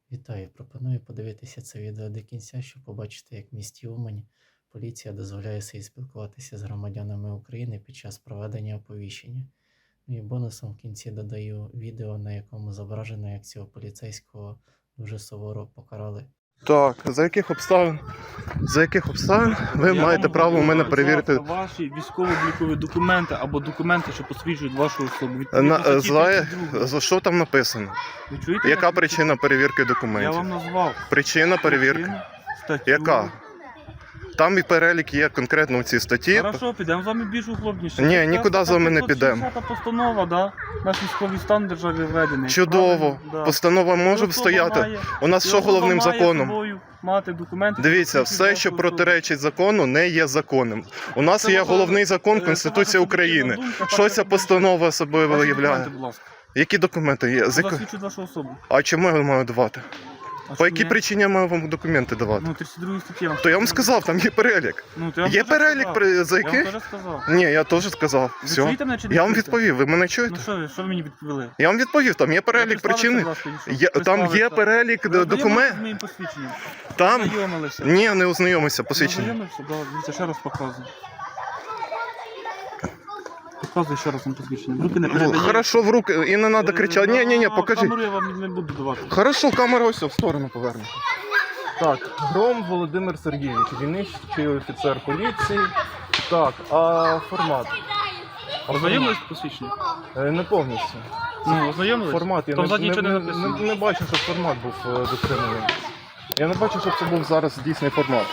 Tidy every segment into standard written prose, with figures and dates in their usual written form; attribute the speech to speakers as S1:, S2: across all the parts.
S1: Вітаю! Пропоную подивитися це відео до кінця, щоб побачити, як в місті Умань поліція дозволяє собі спілкуватися з громадянами України під час проведення оповіщення. Ну і бонусом в кінці додаю відео, на якому зображено, як цього поліцейського дуже суворо покарали.
S2: Так, за яких обставин ви маєте право у мене перевірити?
S3: Ваші військово-облікові документи або документи, що посвідчують вашу особу.
S2: За що там написано?
S3: Ви чуєте?
S2: Яка причина перевірки
S3: Я
S2: документів?
S3: вам назвав.
S2: Причина перевірки?
S3: Статтю.
S2: Яка? Там і перелік є конкретно в цій статті.
S3: Хорошо, підемо з вами більш углубніше.
S2: Ні, нікуди з вами не підемо.
S3: 560 постанова, да? Наш військовий стан в державі введений.
S2: Чудово.
S3: Правильно? Да.
S2: Постанова може
S3: І особа
S2: стояти.
S3: має-
S2: У нас
S3: і
S2: що
S3: особа
S2: головним
S3: має
S2: законом?
S3: собою мати документи,
S2: Дивіться,
S3: що
S2: все,
S3: посвідчують
S2: що
S3: вашу
S2: протиречить закону, не є законом. У нас
S3: Це
S2: є
S3: ваша-
S2: головний закон
S3: це
S2: Конституція
S3: ваша
S2: України.
S3: суб'єктивна думка,
S2: Що
S3: так,
S2: ця
S3: як
S2: постанова собою
S3: Ваші
S2: виявляє?
S3: документи, будь ласка.
S2: Які документи є?
S3: Засвідчують вашу особу.
S2: А чому я маю давати?
S3: А
S2: По
S3: що
S2: якій
S3: ні?
S2: причині я маю вам документи давати?
S3: Ну, 32 статті.
S2: То я вам сказав, там є перелік.
S3: Ну, то я вам
S2: Є
S3: теж
S2: перелік,
S3: сказав.
S2: за
S3: Я вам
S2: яких?
S3: теж сказав.
S2: Ні, я теж сказав.
S3: Ви
S2: Все.
S3: чуєте мене чи не
S2: Я вам
S3: чуєте?
S2: відповів, ви мене чуєте?
S3: Ну що ви мені відповіли?
S2: Я вам відповів, там є перелік
S3: Представтеся,
S2: причини.
S3: будь ласка, і що?
S2: Там є
S3: Представтеся.
S2: перелік
S3: Ви
S2: документів.
S3: ознайомилися з моїм посвідченням?
S2: Там?
S3: Ознайомилися.
S2: Ні, не ознайомився, посвідчення.
S3: Ознайомився? Да, дивіться, ще раз показую. Показую ще раз вам посвідчення. Руки не передає.
S2: Хорошо, в руки, і не треба кричати. Ні, покажи.
S3: Камеру я вам не буду давати.
S2: Хорошо, камера ось в сторону повернута. Так, Гром Володимир Сергійович, дільничний офіцер поліції. Так, а формат?
S3: Ознайомились з посвідченням?
S2: Не повністю.
S3: Ну, ознайомились?
S2: Формат, я
S3: Там ззаді нічого не написано.
S2: не бачу, щоб формат був дотриманий. Я не бачу, щоб це був зараз дійсний формат.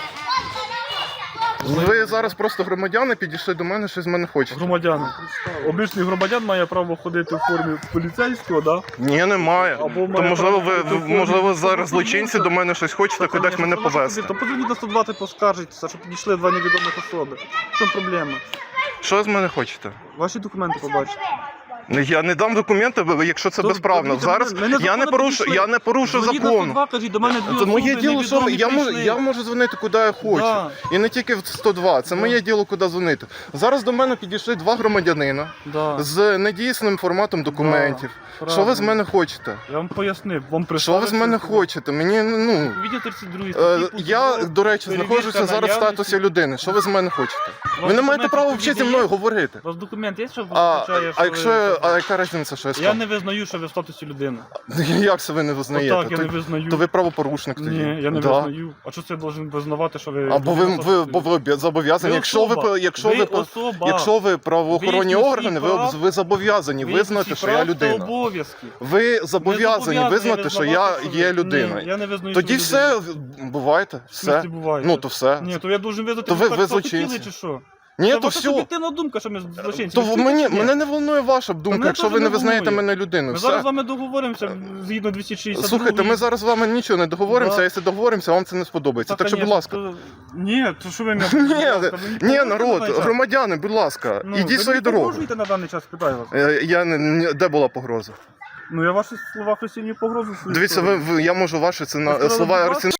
S2: Ви зараз просто громадяни підійшли до мене, щось з мене хочете.
S3: Громадяни. Обичний громадян має право ходити в формі поліцейського, да?
S2: Ні, немає.
S3: Або
S2: То
S3: має
S2: можливо,
S3: право бути в формі
S2: можливо, зараз
S3: військового
S2: злочинці до мене щось хочете кудись мене повезти.
S3: То позвоніть на 120, поскаржитеся, що підійшли два невідомих особи. В чому проблема?
S2: Що з мене хочете?
S3: Ваші документи побачите.
S2: Я не дам документи, якщо це
S3: То
S2: безправно.
S3: дивіться,
S2: Зараз
S3: ми незаконно підійшли.
S2: я не порушу
S3: Дзвоніть на
S2: закон.
S3: 102, кажіть, до мене дві
S2: Це
S3: особи
S2: моє діло, що
S3: невідомі
S2: я можу дзвонити куди я хочу.
S3: Да.
S2: І не тільки в 102. Це
S3: Да.
S2: моє діло, куди дзвонити. Зараз до мене підійшли два громадянина
S3: Да.
S2: з недійсним форматом документів.
S3: Да,
S2: Що ви з
S3: правильно.
S2: мене хочете?
S3: Я вам пояснив, вам
S2: Що ви з мене хочете? Мені, ну...
S3: Відділ 32
S2: Я, до речі, знаходжуся зараз в статусі людини. Що ви з мене хочете? Ви не маєте права взагалі зі мною говорити.
S3: У вас документ є, що
S2: А
S3: визначає, що
S2: якщо,
S3: ви...
S2: яка різниця, що я
S3: Я
S2: сказав?
S3: не визнаю, що ви в статусі людини.
S2: Як це ви не визнаєте?
S3: Отак, я не визнаю.
S2: То ви правопорушник тоді.
S3: Ні, я не
S2: Да.
S3: визнаю. А що це я должен визнавати, що ви...
S2: Або ви зобов'язані.
S3: Ви
S2: Якщо
S3: особа.
S2: якщо ви правоохоронні
S3: Ви
S2: органи,
S3: всі
S2: ви зобов'язані визнати, що я людина.
S3: Обов'язки.
S2: Ви зобов'язані визнати, що я є людиною.
S3: Ні, я не визнаю,
S2: Тоді
S3: що ви
S2: все, бувайте, все.
S3: людина. Буває.
S2: Ну, то все.
S3: Ні, то я должен визнати,
S2: То ви
S3: так
S2: злочинці.
S3: захотіли, чи що?
S2: Ні,
S3: Це
S2: то
S3: ваша
S2: все.
S3: суб'єктивна думка, що ми злочинці.
S2: То
S3: Ви чуєте, чи ні?
S2: мене не волнує ваша думка,
S3: мене
S2: якщо
S3: теж
S2: ви не
S3: не
S2: визнаєте
S3: волнує.
S2: мене людиною.
S3: Ми зараз з
S2: Все.
S3: вами договоримося згідно 262.
S2: Слухайте, ми зараз з вами нічого не договоримося,
S3: Да.
S2: а якщо договоримося, вам це не сподобається. Так що, будь ласка.
S3: Ні, то що ви мене...
S2: Ні, народ, громадяни, будь ласка, ідіть свою дорогу.
S3: Ви погрожуєте на даний час, питаю вас.
S2: Де була погроза?
S3: Ну, я ваші слова хрестівні погрозу свою.
S2: Дивіться, я можу ваші слова розцінити.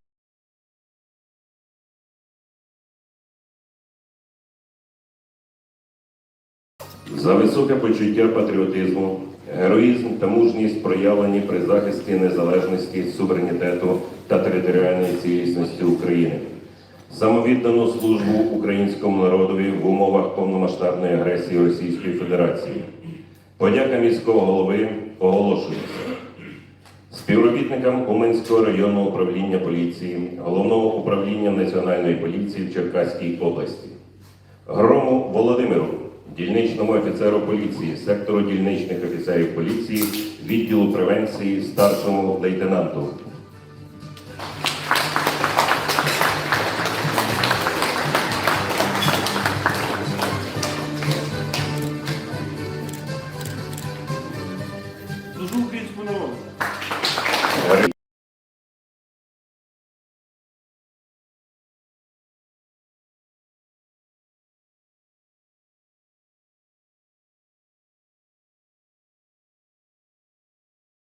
S4: За високе почуття патріотизму, героїзм та мужність проявлені при захисті незалежності, суверенітету та територіальної цілісності України, самовіддану службу українському народові в умовах повномасштабної агресії Російської Федерації. Подяка міського голови оголошується співробітникам Уманського районного управління поліції, Головного управління Національної поліції в Черкаській області, Грому Володимиру, дільничному офіцеру поліції, сектору дільничних офіцерів поліції, відділу превенції, старшому лейтенанту,